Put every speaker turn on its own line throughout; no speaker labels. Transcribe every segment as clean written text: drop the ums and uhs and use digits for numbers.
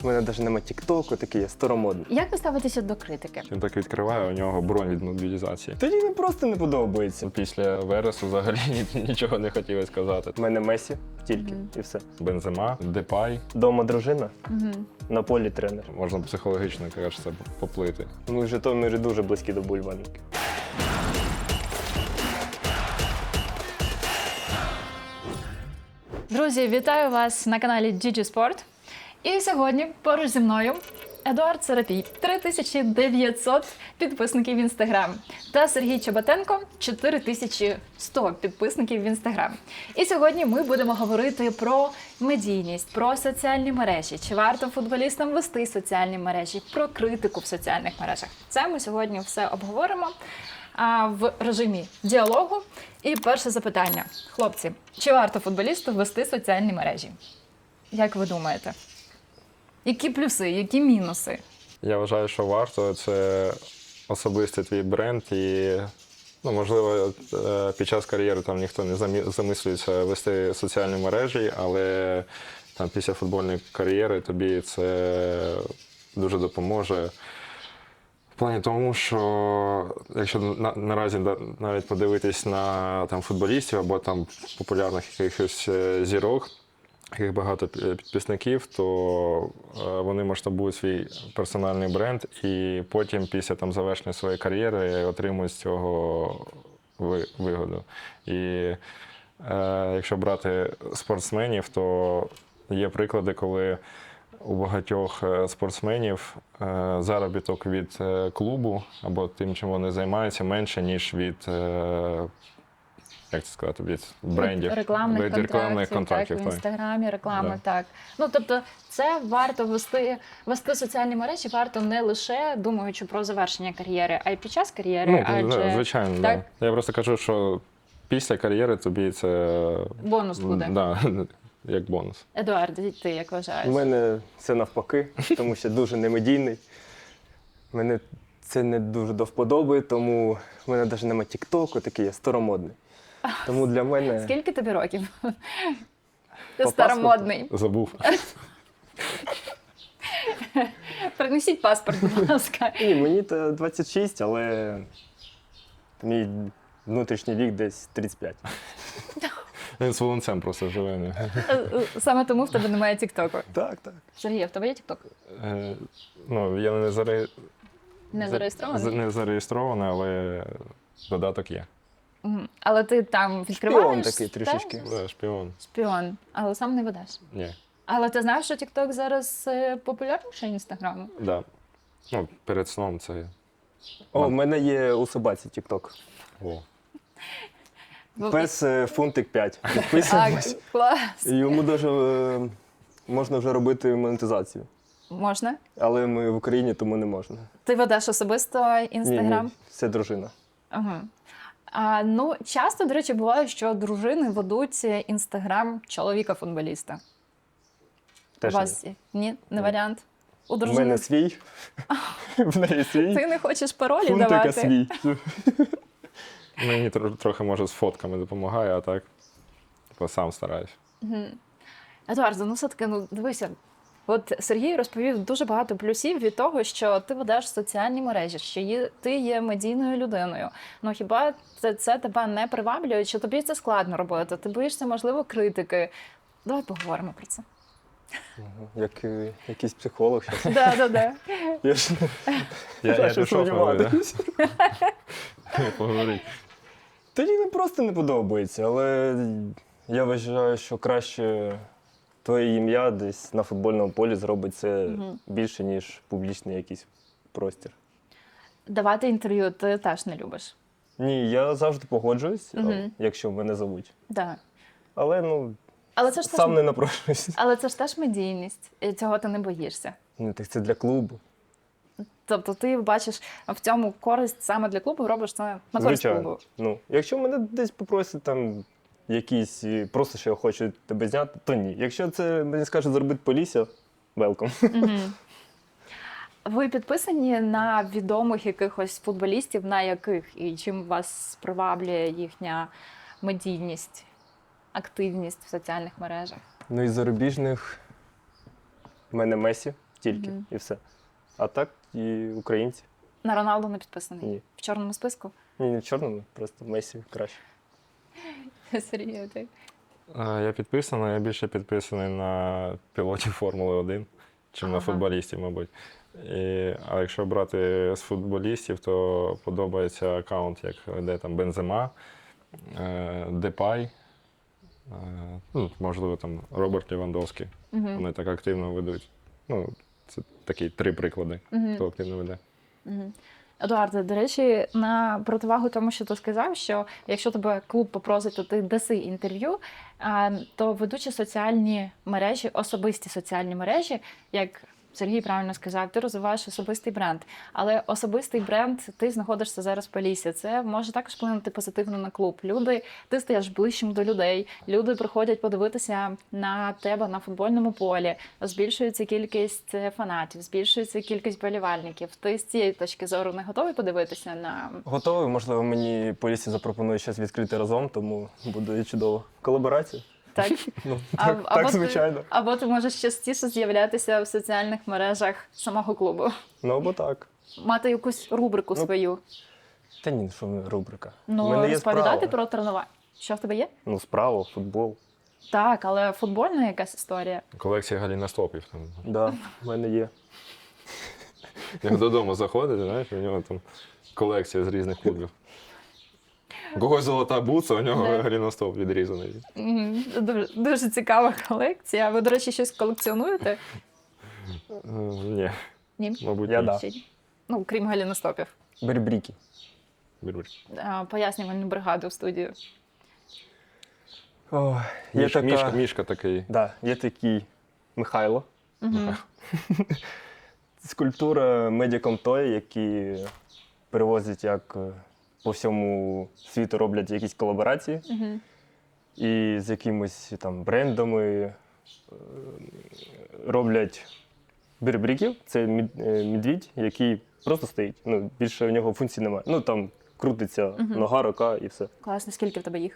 У мене навіть немає тіктоку, такий я старомодний.
Як ви ставитеся до критики?
Він так відкриває, у нього бронь від мобілізації.
Тоді не просто не подобається.
Після Вересу взагалі нічого не хотіли сказати.
У мене Месі тільки, і все.
Бензема, Депай,
Дома дружина, на полі тренер.
можна психологічно, кажеться, поплити.
Ми в Житомирі дуже близькі до бульварники.
Друзі, вітаю вас на каналі GG Sport. І сьогодні поруч зі мною Едуард Серапій, 3900 підписників в Інстаграм, та Сергій Чоботенко, 4100 підписників в Інстаграм. І сьогодні ми будемо говорити про медійність, про соціальні мережі, чи варто футболістам вести соціальні мережі, про критику в соціальних мережах. Це ми сьогодні все обговоримо в режимі діалогу. І перше запитання. Хлопці, чи варто футболісту вести соціальні мережі? Як ви думаєте? Які плюси, які мінуси?
Я вважаю, що варто. Це особистий твій бренд і, можливо, під час кар'єри там ніхто не замислюється вести соціальні мережі, але там після футбольної кар'єри тобі це дуже допоможе. В плані тому, що якщо наразі навіть подивитись на там, футболістів або там популярних якихось зірок, яких багато підписників, то вони масштабують свій персональний бренд і потім після там, завершення своєї кар'єри отримують з цього вигоду. І якщо брати спортсменів, то є приклади, коли у багатьох спортсменів заробіток від клубу або тим, чим вони займаються, менше, ніж від, як це сказати, від брендів.
Рекламних контрактів, так, в Інстаграмі, реклами, так. Тобто це варто вести соціальні мережі, варто не лише думаючи про завершення кар'єри, а й під час кар'єри.
Звичайно,
так?
Да. Я просто кажу, що після кар'єри тобі це...
Бонус буде.
Да, як бонус.
Едуард, ти як вважаєш?
У мене це навпаки, тому що дуже немедійний. Мене це не дуже до вподоби, тому в мене навіть немає тіктоку, такий я старомодний. Тому для мене...
Скільки тобі років? Ти
По
старомодний.
Забув.
Принесіть паспорт, будь ласка.
Ні, мені то 26, але мій внутрішній вік десь 35.
Він з волонцем просто живе.
Саме тому в тебе немає тіктоку.
Так, так.
Сергій, в тебе є тікток?
Я
Не зареєстрований?
не зареєстрований, але додаток є.
Але ти там відкриваєш?
Шпіон такий трішечки.
Да, шпіон.
Шпіон, але сам не ведеш.
Ні.
Але ти знаєш, що TikTok зараз популярніше Інстаграму?
Да. Перед сном це...
О, в мене є у собаці тікток.
О.
Пес фунтик 5. Підписуємось.
Клас.
І йому даже можна вже робити монетизацію.
Можна?
Але ми в Україні, тому не можна.
Ти ведеш особисто Інстаграм?
Ні, це дружина.
Ага. Часто, до речі, буває, що дружини ведуть Інстаграм чоловіка-футболіста.
Теж
У вас ні? Не варіант? У
У
дружини?
мене свій, в неї свій.
Ти не хочеш паролі
Фунтика
давати?
свій.
Мені трохи, може, з фотками допомагає, а так сам стараюсь.
Едуард, все-таки, дивися, от Сергій розповів дуже багато плюсів від того, що ти ведеш соціальні мережі, що ти є медійною людиною. Хіба це тебе не приваблює, чи тобі це складно робити? Ти боїшся, можливо, критики? Давай поговоримо про це.
Як якийсь психолог.
Да.
Я ж
Я
щось
пішов
сумніватись.
поговорити.
Тоді не просто не подобається, але я вважаю, що краще твоє ім'я десь на футбольному полі зробить це більше, ніж публічний якийсь простір.
Давати інтерв'ю ти теж не любиш?
Ні, я завжди погоджуюсь, якщо мене зовуть.
Так.
Але
це ж
сам не напрошуюсь.
Але це ж теж медійність, і цього ти не боїшся.
Ну, так це для клубу.
Тобто ти бачиш в цьому користь саме для клубу, робиш це на користь клубу.
Якщо мене десь попросять там якісь, просто що я хочу тебе зняти, то ні. Якщо це мені скажуть зробити Полісся, велком.
Ви підписані на відомих якихось футболістів, на яких і чим вас приваблює їхня медійність, активність в соціальних мережах?
Із зарубіжних в мене Месі тільки, і все. А так і українці.
На Роналду не підписаний?
Ні.
В чорному списку?
Ні, не в чорному, просто Месі краще.
Сергій, ти?
Я підписаний, я більше підписаний на пілотів Формули 1, чим на
Ага.
футболістів, мабуть. А якщо брати з футболістів, то подобається аккаунт, як де там Бензема, Депай, можливо, там Роберт Лівандовський. Вони так активно ведуть. Ну, це такі 3 приклади, хто активно веде.
Едуарде, до речі, на противагу тому, що ти сказав, що якщо тебе клуб попросить, то ти даси інтерв'ю, то ведучи соціальні мережі, особисті соціальні мережі, як Сергій правильно сказав, ти розвиваєш особистий бренд. Але особистий бренд, ти знаходишся зараз в Поліссі. Це може також вплинути позитивно на клуб. Ти стаєш ближчим до людей, люди приходять подивитися на тебе на футбольному полі, збільшується кількість фанатів, збільшується кількість болівальників. Ти з цієї точки зору не готовий подивитися на...
Готовий, можливо, мені Полісся запропонує щось відкрити разом, тому буде чудово. Колаборація?
Так?
Ну,
Або
так
ти-
звичайно.
Або ти можеш частіше з'являтися в соціальних мережах самого клубу.
Ну, або так.
Мати якусь рубрику
Ну,
свою.
Та ні, що ми, рубрика. У
Ну,
мене є
розповідати
справа.
про тренування. Що в тебе є?
Ну, справа, футбол.
Так, але футбольна якась історія.
Колекція галіностопів. Там.
Да, в мене є.
Як додому заходить, знаєш, у нього там колекція з різних клубів. У когось золота бутса, у нього
Да.
галіностоп відрізаний.
Дуже, дуже цікава колекція. Ви, до речі, щось колекціонуєте?
Ні,
Ні?
мабуть,
Я
ні.
да.
Ще ні? Ну, крім галіностопів.
Бербріки.
Беруть.
Пояснювальну бригаду в студію.
О, є така...
Мішка такий.
Да, є такий Михайло. Скульптура Медіаком Той, які перевозять як по всьому світу роблять якісь колаборації. І з якимось там брендами роблять бербріків. Це медвідь, який просто стоїть. Ну, більше у нього функцій немає. Ну там крутиться нога, рука і все.
Класно, скільки в тебе їх?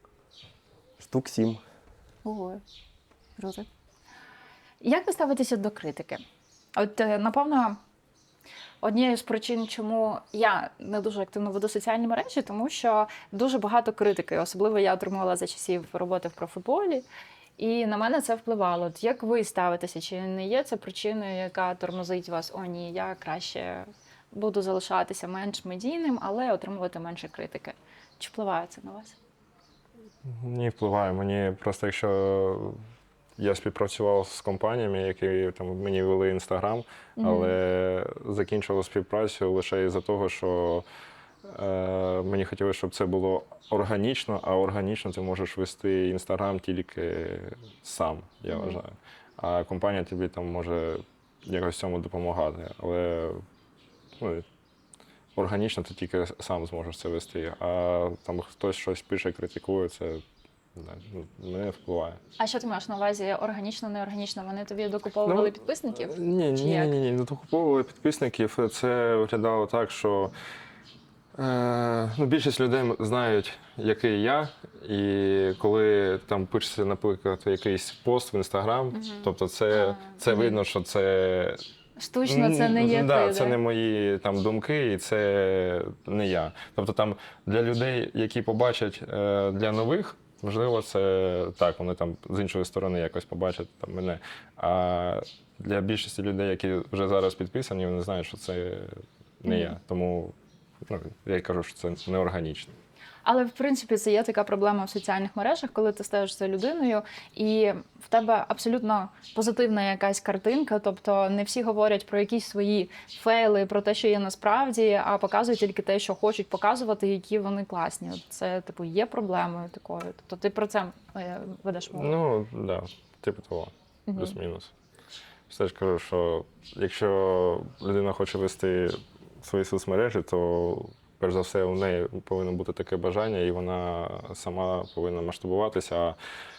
Штук 7.
Ого, круто. Як ви ставитеся до критики? От, напевно, однією з причин, чому я не дуже активно веду соціальні мережі, тому що дуже багато критики. Особливо я отримувала за часів роботи в профутболі. І на мене це впливало. От як ви ставитеся? Чи не є це причиною, яка тормозить вас? О, ні, я краще буду залишатися менш медійним, але отримувати менше критики. Чи впливає це на вас?
Ні, впливає. Мені просто якщо я співпрацював з компаніями, які там мені вели Інстаграм, але закінчував співпрацю лише із-за того, що мені хотілося, щоб це було органічно, а органічно ти можеш вести Інстаграм тільки сам, я вважаю. А компанія тобі там може якось цьому допомагати. Але ну, органічно ти тільки сам зможеш це вести. А там хтось щось пише, критикує, це не впливає.
А що ти маєш на увазі? Органічно, неорганічно? Вони тобі докуповували підписників?
Ні,
Чи
ні,
як?
ні, ні, не докуповували підписників. Це виглядало так, що більшість людей знають, який я, і коли там пишеться, наприклад, якийсь пост в Інстаграм, тобто це видно, що це
Штучно це не є
да,
ти,
це не мої там думки, і це не я. Тобто там для людей, які побачать для нових, можливо, це так, вони там з іншої сторони якось побачать там мене. А для більшості людей, які вже зараз підписані, вони знають, що це не я. Тому я й кажу, що це неорганічно.
Але, в принципі, це є така проблема в соціальних мережах, коли ти стаєш за людиною, і в тебе абсолютно позитивна якась картинка, тобто не всі говорять про якісь свої фейли, про те, що є насправді, а показують тільки те, що хочуть показувати, які вони класні. От це, типу, є проблемою такою. Тобто ти про це ведеш мову?
Ну, так, да, типу того, плюс-мінус. Все ж кажу, що якщо людина хоче вести свої соцмережі, то перш за все, у неї повинно бути таке бажання, і вона сама повинна масштабуватися,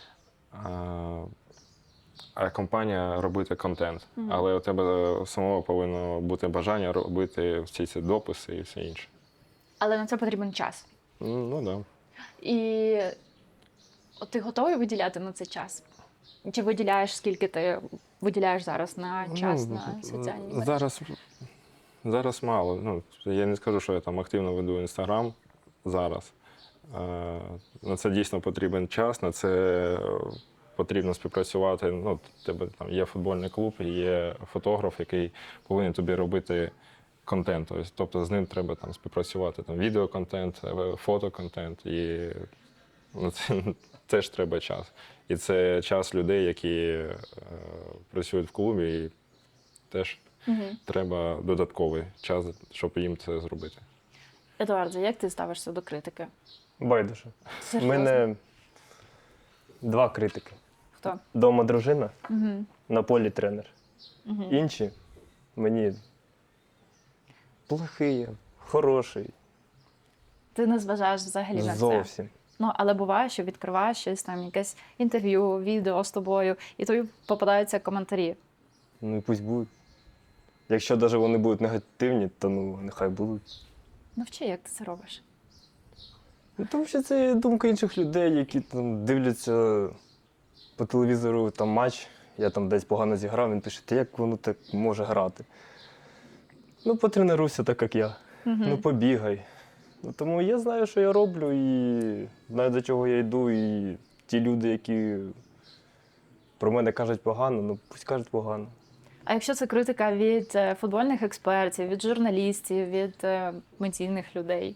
а компанія робити контент. Але у тебе самого повинно бути бажання робити всі ці дописи і все інше.
Але на це потрібен час.
Ну, так. Да.
І от ти готовий виділяти на це час? Чи виділяєш, скільки ти виділяєш зараз на час на соціальні мережі?
Зараз мало. Ну, я не скажу, що я там активно веду Інстаграм зараз. На це дійсно потрібен час, на це потрібно співпрацювати. Ну, в тебе там є футбольний клуб, і є фотограф, який повинен тобі робити контент. Тобто з ним треба там співпрацювати. Там відеоконтент, фотоконтент. І ну, це теж треба час. І це час людей, які працюють в клубі, і теж треба додатковий час, щоб їм це зробити.
Едуарде, як ти ставишся до критики?
Байдуже. У
Серйозно?
мене 2 критики.
Хто?
Дома дружина, на полі тренер. Інші мені плохий, хороший.
Ти не зважаєш взагалі на це?
Зовсім.
Ну, але буває, що відкриваєш щось там, якесь інтерв'ю, відео з тобою, і тобі попадаються коментарі.
Ну і пусть будуть. Якщо навіть вони будуть негативні, то ну нехай будуть.
Навчи, як ти це робиш.
Ну, тому що це думка інших людей, які там дивляться по телевізору там матч, я там десь погано зіграв, він пише, та як воно так може грати? Ну, потренуйся так, як я. Ну, побігай. Ну, тому я знаю, що я роблю, і знаю, до чого я йду, і ті люди, які про мене кажуть погано, ну пусть кажуть погано.
А якщо це критика від футбольних експертів, від журналістів, від медійних людей?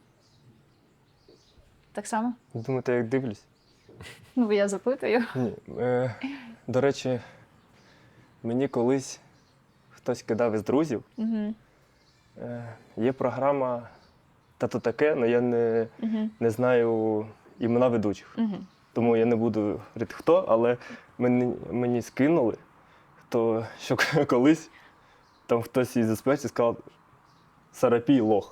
Так само?
Думаєте, як дивлюсь?
Ну, бо я запитую.
Ні. До речі, мені колись хтось кидав із друзів. Є програма «Та-то таке», але я не знаю імена ведучих. Тому я не буду говорити хто, але мені скинули, що колись там хтось із експертів сказав «Сарапій лох».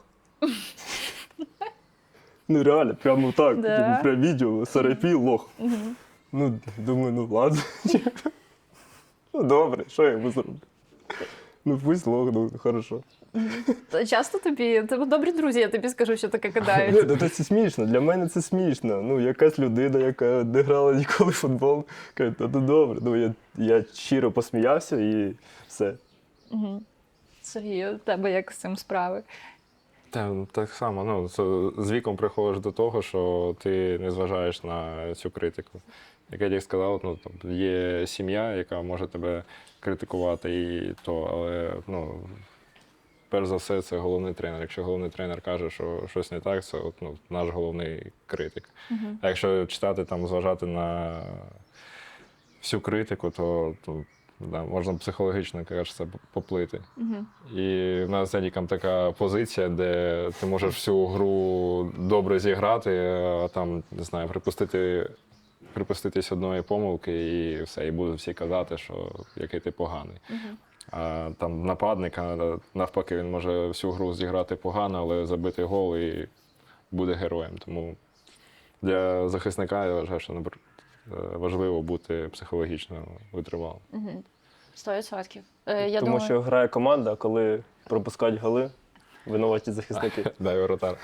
Ну реально, прямо так,
Да?
прям відео «Сарапій лох». Ну, думаю, ну ладно. Ну добре, що я йому зроблю? Ну пусть лох, ну хорошо.
То часто тебе добрі друзі, я тобі скажу, що таке
Ні,
кидають.
ну, це смішно, для мене це смішно. Ну, якась людина, яка не грала ніколи в футбол, каже, ну добре. Ну, я щиро посміявся і все.
Сергій, у тебе як з цим справи?
Так само, ну, з віком приходиш до того, що ти не зважаєш на цю критику. Як я сказав, ну, там, є сім'я, яка може тебе критикувати, але ну, перш за все це головний тренер. Якщо головний тренер каже, що щось не так, це ну, наш головний критик. А якщо читати, там, зважати на всю критику, то да, можна психологічно, кажеться, поплити. І в нас з Едіком така позиція, де ти можеш всю гру добре зіграти, а там, не знаю, припуститись одної помилки і все, і будуть всі казати, що який ти поганий. А там нападника, навпаки, він може всю гру зіграти погано, але забити гол і буде героєм. Тому для захисника я вважаю, що важливо бути психологічно витривалим.
100%.
Тому що грає команда, коли пропускають голи, винуваті захисники.
Дай воротар.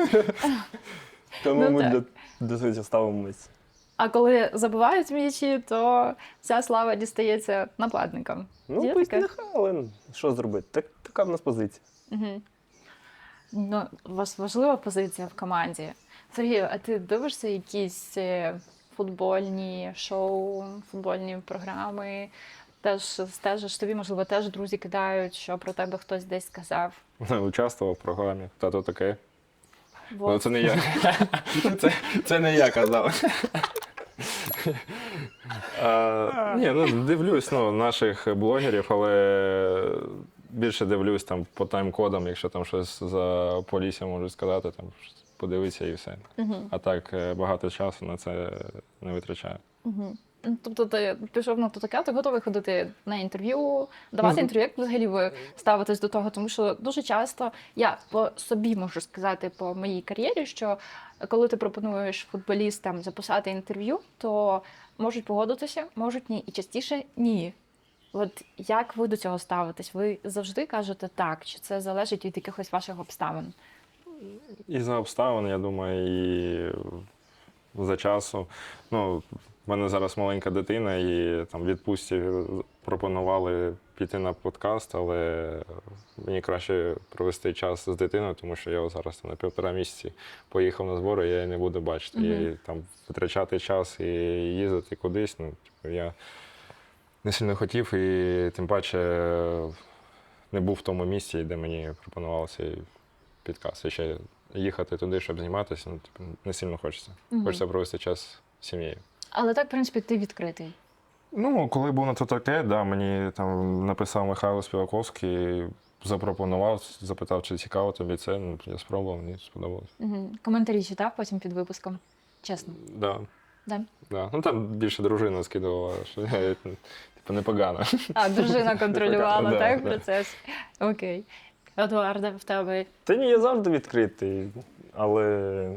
Тому
Ну,
ми до цього ставимо місце.
А коли забивають м'ячі, то вся слава дістається нападникам.
Ну,
Є
пусть
таке?
нехай, але що зробити? Така в нас позиція.
Ну, у вас важлива позиція в команді. Сергію, а ти дивишся якісь футбольні шоу, футбольні програми? Теж стежиш, тобі, можливо, теж друзі кидають, що про тебе хтось десь сказав.
Участвував в програмі. Та-то таке. Ну,
Вот.
це не я. Це не я казав. Ні, ну дивлюсь наших блогерів, але більше дивлюсь там по тайм-кодам, якщо там щось за Полісся можуть сказати, там подивитися і все. А так багато часу на це не витрачаю.
Ну, тобто ти пішов на таке, ти готовий ходити на інтерв'ю, давати інтерв'ю, як взагалі ви ставитесь до того? Тому що дуже часто, я по собі можу сказати, по моїй кар'єрі, що коли ти пропонуєш футболістам записати інтерв'ю, то можуть погодитися, можуть ні, і частіше ні. От як ви до цього ставитесь? Ви завжди кажете так, чи це залежить від якихось ваших обставин?
І за обставин, я думаю, і за часу. Ну, мене зараз маленька дитина, і там в відпустці пропонували піти на подкаст, але мені краще провести час з дитиною, тому що я зараз на 1,5 місяці поїхав на збори, я її не буду бачити. І там витрачати час і їздити кудись, ну, типу, я не сильно хотів, і тим паче не був в тому місці, де мені пропонували цей підкаст. І ще їхати туди, щоб зніматися, ну, типу, не сильно хочеться. Хочеться провести час з сім'єю.
Але так, в принципі, ти відкритий.
Ну, коли був на то таке, да, мені там написав Михайло Співаковський, запропонував, запитав, чи цікаво тобі це. Ну, я спробував, мені сподобалось.
Коментарі читав потім під випуском? Чесно.
Да.
Да?
Да. Ну там більше дружина скидувала, що я типу непогано.
А, дружина контролювала,
Да,
так,
да.
процес? Окей. Едуарде, в тебе?
Та ні, я завжди відкритий, але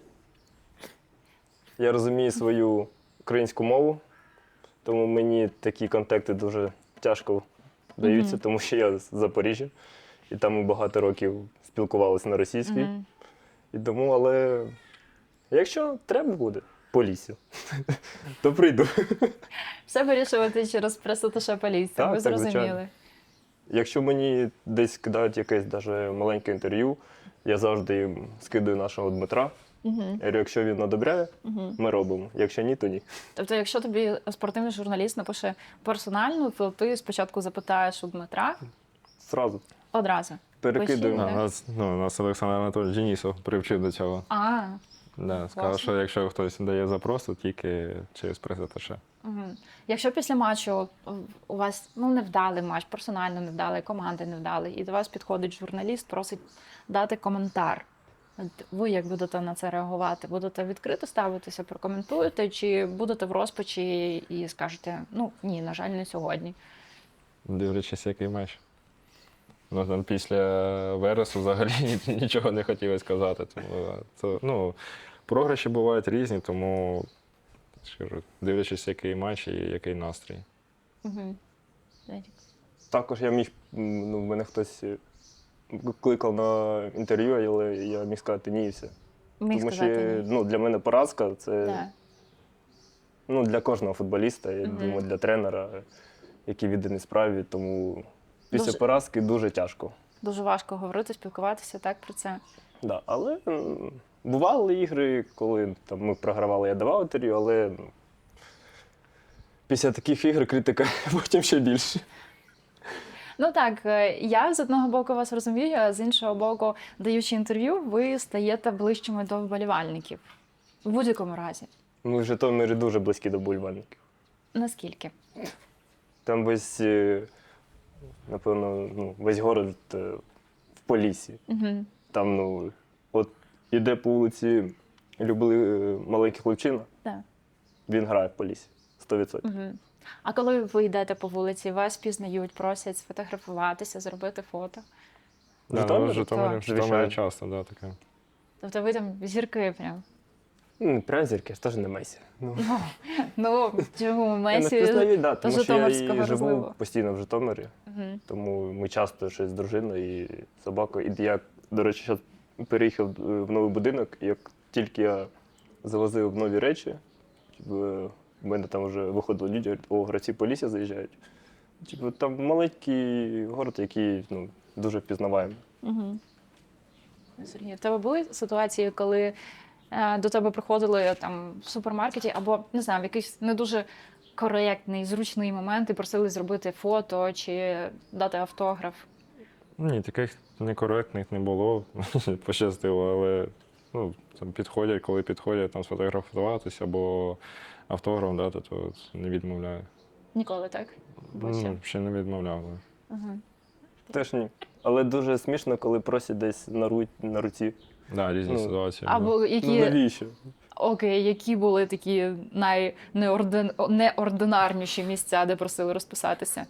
я розумію свою українську мову, тому мені такі контакти дуже тяжко даються, тому що я з Запоріжжя, і там ми багато років спілкувалися на російській. І тому, але якщо треба буде по лісі, то прийду.
Все вирішувати через пресоташа поліція,
Так,
ви
так,
зрозуміли.
звичайно. Якщо мені десь кидають якесь даже маленьке інтерв'ю, я завжди їм скидаю нашого Дмитра. Я говорю, якщо він одобряє, ми робимо. Якщо ні, то ні.
Тобто, якщо тобі спортивний журналіст напише персонально, то ти спочатку запитаєш у Дмитра
Зразу
одразу.
перекидуємо.
Постійно.
Нас Олександр Анатолійович Денісов привчив до цього.
А,
Да, сказав,
Класно.
що якщо хтось дає запрос, то тільки через прес-аташе.
якщо після матчу у вас невдалий матч, персонально невдалий, команди невдалий, і до вас підходить журналіст, просить дати коментар. От ви як будете на це реагувати? Будете відкрито ставитися, прокоментуєте, чи будете в розпачі і скажете, ні, на жаль, не сьогодні.
Дивлячись, який матч. Ну, там після Вересу взагалі нічого не хотіли сказати. Тому, програші бувають різні, тому скажу, дивлячись, який матч і який настрій.
Угу.
Також я міг, мене хтось кликав на інтерв'ю, але я міг сказати ні і все.
Міг
Тому
сказати
що
ні.
для мене поразка це
Да.
для кожного футболіста, я думаю, для тренера, який відданий справі. Тому після
Дуже-
поразки дуже тяжко.
Дуже важко говорити, спілкуватися так про це.
Да, але бували ігри, коли там, ми програвали, я давав інтерв'ю, але після таких ігор критика потім ще більше.
Ну так, я з одного боку вас розумію, а з іншого боку, даючи інтерв'ю, ви стаєте ближчими до вболівальників. В будь-якому разі.
Ми в Житомирі дуже близькі до вболівальників.
Наскільки?
Там весь, напевно, весь город в Поліссі.
Угу.
Там, от іде по вулиці, любили маленький хлопчина,
Так.
він грає в Поліссі. 100%.
Угу. А коли ви йдете по вулиці, вас пізнають, просять сфотографуватися, зробити фото.
В Житомирі?
В Житомирі
Так,
звичайно.
часто, да, таке.
Тобто ви там зірки прям.
Прям зірки, ж теж не Месі.
Чому
Я не
Месі
впізнаю, да,
до
тому що я
Житомирського
і живу
розливу?
постійно в Житомирі.
Угу.
Тому ми часто щось з дружиною і собакою. І я, до речі, зараз переїхав в новий будинок, і як тільки я завозив нові речі, в мене там вже виходили люди, говорять, о, гравці Полісся заїжджають. Там маленький город, який дуже впізнаваємий.
Угу. Сергій, в тебе були ситуації, коли до тебе приходили там в супермаркеті або, не знаю, в якийсь не дуже коректний, зручний момент і просили зробити фото чи дати автограф?
Ні, таких некоректних не було, пощастило, але там підходять, коли підходять там сфотографуватися або автограф дати, то не відмовляю.
Ніколи, так? Боже.
Ще не відмовляв. Да.
Угу.
Теж ні. Але дуже смішно, коли просять десь на руці.
Да, різні
Ну,
ситуації.
Або які,
Навіщо?
окей, які були такі найнеординарніші місця, де просили розписатися?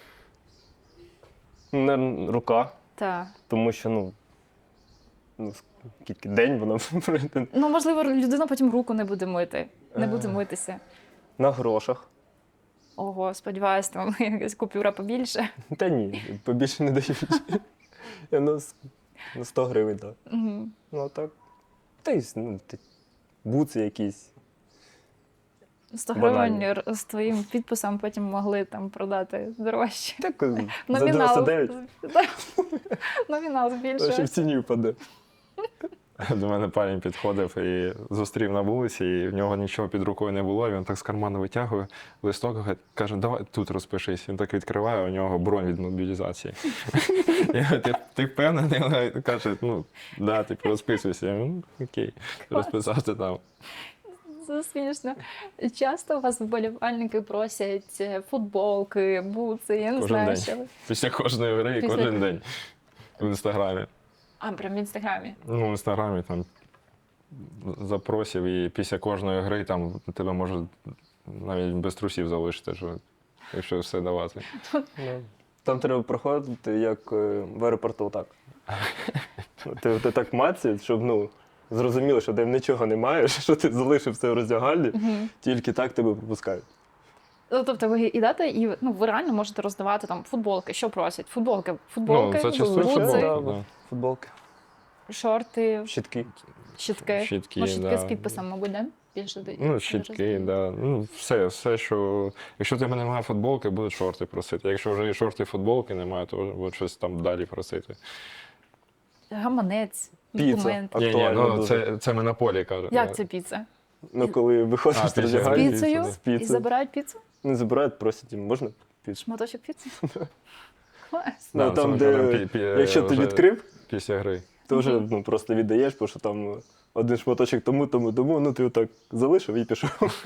Рука,
Так.
тому що, скільки день воно пройде.
Можливо, людина потім руку не буде мити, не буде митися.
На грошах.
Ого, сподіваюсь, там якась купюра побільше.
Та ні, побільше не дають. На 100 гривень, так.
Угу.
Ну, а так. Та й буци якісь.
100
Банально.
гривень з твоїм підписом потім могли там продати дорожче.
Так, за
Номінал.
99,
Номінал
ще в
збільшується.
ціні впаде.
До мене парень підходив і зустрів на вулиці, і в нього нічого під рукою не було. Він так з карману витягує листок, каже, давай тут розпишись. Він так відкриває, у нього бронь від мобілізації. Я говорю, ти впевнений? Вона каже, ну, да, типу, розписуйся. Я говорю, ну, окей, розписався там.
Це смішно. Часто у вас вболівальники просять футболки, бутси, я не
Кожен
знаю,
день.
що ви.
Після кожної гри і
Після-
кожен день. В інстаграмі.
А, прям в інстаграмі.
Ну, в інстаграмі там запросів, і після кожної гри там тебе можуть навіть без трусів залишити, якщо все давати.
Ну, там треба проходити, як в аеропорту, так. Ти так мацають, щоб зрозуміло, що ти нічого не маєш, що ти залишив все в роздягальні, тільки так тебе пропускають.
Ну, тобто ви йдете і ви реально можете роздавати там футболки. Що просять? Футболки,
Ну, зачастую
бутси,
футболки,
да,
да.
Футболки,
шорти,
щітки.
щітки.
Щітки,
Ну, щітки
да.
з підписом, мабуть, да? Більше
Ну, щітки, да. Ну, все, що. Якщо в тебе немає футболки, будуть шорти просити. Якщо вже і шорти, і футболки немає, то будуть щось там далі просити.
Гаманець,
Піца.
документи.
Ні,
Актуально
ну
дуже.
це ми на полі кажемо.
Як це піца?
Ну, коли виходиш
А,
з
піца.
З
роздягальні,
піцею?
з піцею.
І забирають піцу?
Не забирають, просять їм, можна піцу?
Шматочок піци? Клас.
Ну,
Да,
там,
це
де,
вже
якщо ти
вже
відкрив,
Після гри.
то вже просто віддаєш, бо що там один шматочок тому, ну ти отак залишив і пішов.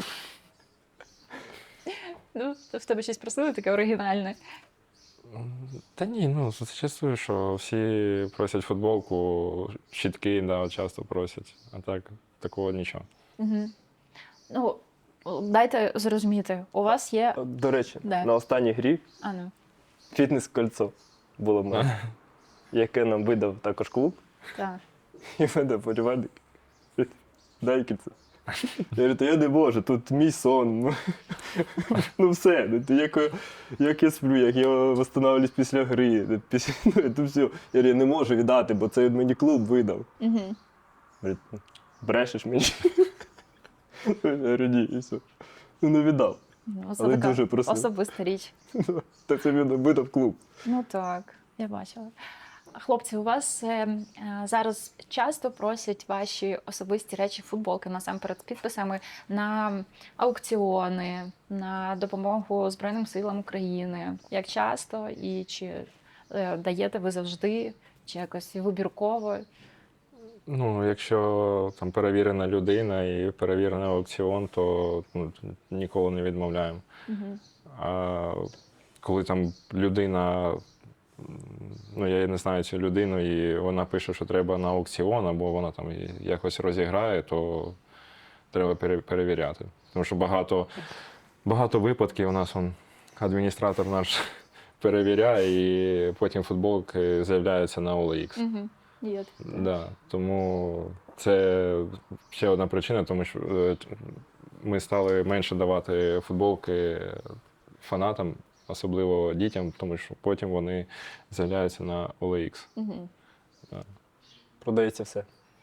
Ну, в тебе щось просили таке оригінальне.
Та ні, ну зачастую, що всі просять футболку, щітки, да, часто просять. А так, такого нічого.
Угу. Ну, дайте зрозуміти, у вас є.
До речі,
Да.
на останній грі
А, ну.
фітнес-кольцо було в мене, яке нам видав також клуб,
Так.
і видав болівальник. Дай кільце. Я говорю, та я не можу, тут мій сон. Ну все, як я сплю, як я восстанавливаюсь після гри, то все. Я говорю, я не можу віддати, бо це мені клуб видав.
Угу.
Говорить, брешеш мені. Я говорю, ні, і все. Ну не віддав.
Ну, це
Але
така
дуже просив.
особиста річ.
Та це він видав клуб.
Ну так, я бачила. Хлопці, у вас зараз часто просять ваші особисті речі, футболки, насамперед з підписами на аукціони, на допомогу Збройним силам України. Як часто і чи даєте ви завжди, чи якось вибірково?
Ну, якщо там перевірена людина і перевірений аукціон, то ніколи не відмовляємо.
Угу.
А коли там людина, ну я не знаю цю людину, і вона пише, що треба на аукціон, або вона там якось розіграє, то треба перевіряти. Тому що багато випадків у нас адміністратор наш перевіряє, і потім футболки з'являються на OLX.
Угу. Є.
Да, тому це ще одна причина, тому що ми стали менше давати футболки фанатам, особливо дітям, тому що потім вони з'являються на OLX.
Угу.
Продається все.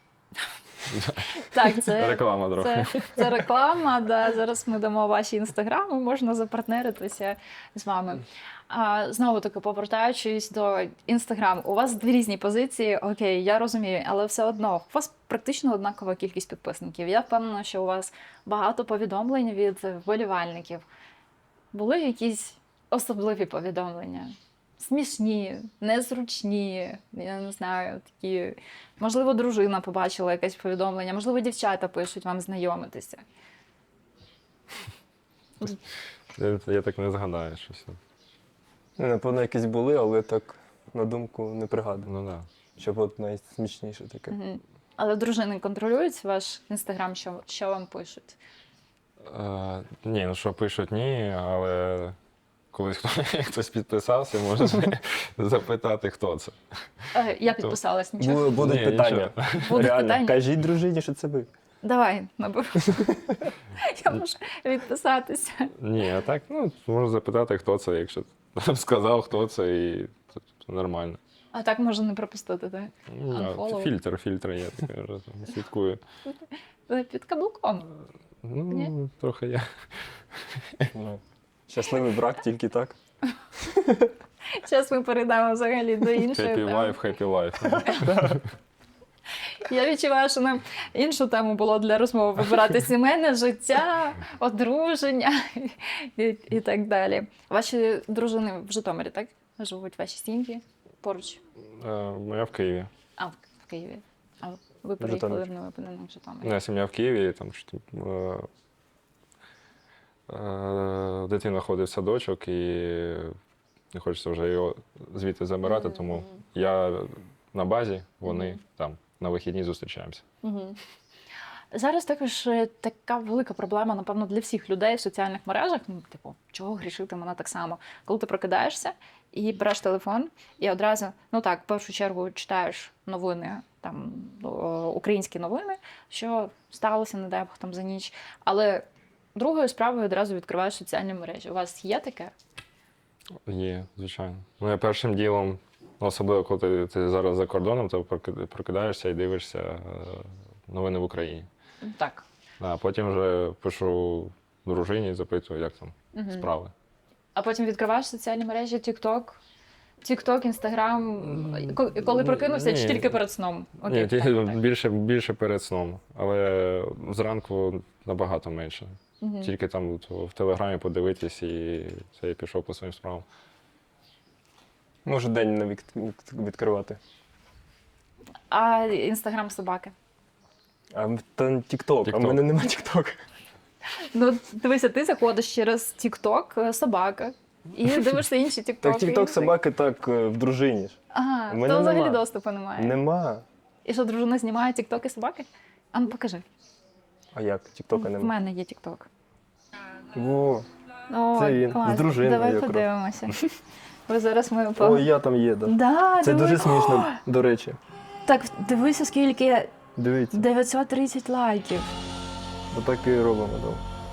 Так, це
Реклама трохи.
це реклама. Да. Зараз ми дамо ваші інстаграми, можна запартнеритися з вами. Знову таки, повертаючись до інстаграму, у вас дві різні позиції, окей, я розумію, але все одно у вас практично однакова кількість підписників. Я впевнена, що у вас багато повідомлень від вболівальників. Були якісь особливі повідомлення? Смішні, незручні, я не знаю, такі. Можливо, дружина побачила якесь повідомлення, можливо, дівчата пишуть вам знайомитися.
Я так не згадаю щось.
Напевно, якісь були, але так на думку не пригадую.
Ну да.
Щоб от найсмішніше таке.
Мгм. Але дружини контролюють ваш інстаграм, що вам пишуть?
Ні, ну що пишуть, ні, але коли хтось підписався, можна запитати, хто це.
Я підписалась, нічого.
Будуть
Ні,
питання.
Будуть
Реально,
питання?
кажіть дружині, що це ви.
Давай, наберу. Я можу відписатися.
Ні, а так, можна запитати, хто це, якщо сказав, хто це, і це нормально.
А так можна не пропустити, так?
Ну,
Unfollow.
Фільтр є, таке, слідкую.
Ви під каблуком.
Ну, трохи є.
Ну, щасливий брак тільки так.
Зараз ми перейдемо взагалі до іншої
Happy
теми.
life, happy life.
Я відчуваю, що нам іншу тему було для розмови вибирати сімейне життя, одруження і так далі. Ваші дружини в Житомирі, так? Живуть ваші сім'ї поруч?
Моя в Києві.
А, в Києві. А ви приїхали
Житомир.
в Новопинене в Житомирі?
Моя сім'я в Києві, там дитина ходить в садочок і не хочеться вже його звідти забирати, тому я на базі, вони там на вихідні зустрічаємося.
Угу. Зараз також така велика проблема, напевно, для всіх людей в соціальних мережах. Ну, типу, чого грішити мене так само? Коли ти прокидаєшся і береш телефон, і одразу, ну так, в першу чергу читаєш новини, там українські новини, що сталося, не дай Бог, там за ніч. Але другою справою одразу відкриваєш соціальні мережі. У вас є таке?
Є, звичайно. Ну, я першим ділом, особливо коли ти зараз за кордоном, то прокидаєшся і дивишся новини в Україні.
Так.
А потім вже пишу дружині і запитую, як там справи.
А потім відкриваєш соціальні мережі TikTok, Instagram, коли прокинувся, чи
Ні.
тільки перед сном? Окей,
Ні,
так.
більше перед сном, але зранку набагато менше. Тільки там в Телеграмі подивитись і це я пішов по своїм справам.
Можу день не відкривати.
А Інстаграм собаки?
А то тік-ток, а в
TikTok.
мене нема тік-ток.
Ну, дивися, ти заходиш через TikTok собака і дивишся інші TikTok.
Так тік-ток собаки так в дружині ж.
Ага,
У мене
то взагалі
нема.
доступу немає.
Нема.
І що, дружина знімає TikTok і собаки? А ну покажи.
А як? Тік-тока
В
нема.
мене є TikTok.
О,
О,
Це він, з
клас.
дружиною
Давай
якраз.
подивимося. Бо зараз ми
о, я там є, да.
Да,
Це дуже
дивись.
смішно, до речі.
Так, дивися, скільки
Дивіться,
930 лайків.
отак і робимо. Да.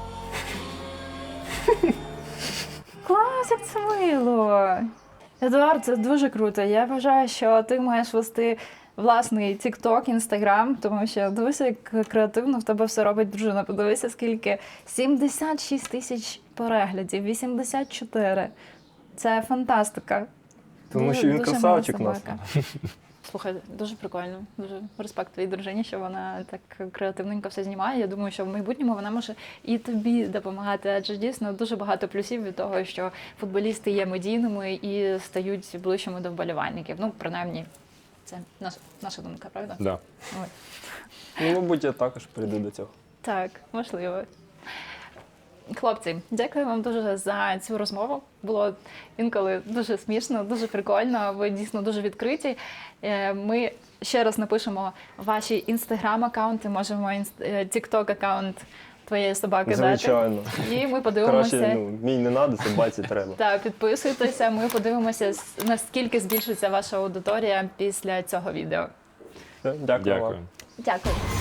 Клас, як це мило. Едуард, це дуже круто. Я вважаю, що ти маєш вести власний TikTok, Instagram, тому що дивися, як креативно в тебе все робить дружина. Подивися, скільки 76 тисяч переглядів, 84. Це фантастика.
Тому що він
дуже
красавчик
мила
у нас.
собака. Слухай, дуже прикольно. Дуже респект твоїй дружині, що вона так креативненько все знімає. Я думаю, що в майбутньому вона може і тобі допомагати, адже дійсно дуже багато плюсів від того, що футболісти є медійними і стають ближчими до вболівальників. Ну, принаймні, це наша думка, правда?
Да.
Ой.
Ну, мабуть, я також прийду до цього.
Так, можливо. Хлопці, дякую вам дуже за цю розмову. Було інколи дуже смішно, дуже прикольно. Ви дійсно дуже відкриті. Ми ще раз напишемо ваші інстаграм-аккаунти, можемо тікток-аккаунт твоєї собаки
Звичайно.
дати. І ми подивимося.
Краще, мій не треба, собаці треба.
Так, підписуйтеся. Ми подивимося, наскільки збільшиться ваша аудиторія після цього відео.
Все, дякую вам.
Дякую.
Дякую.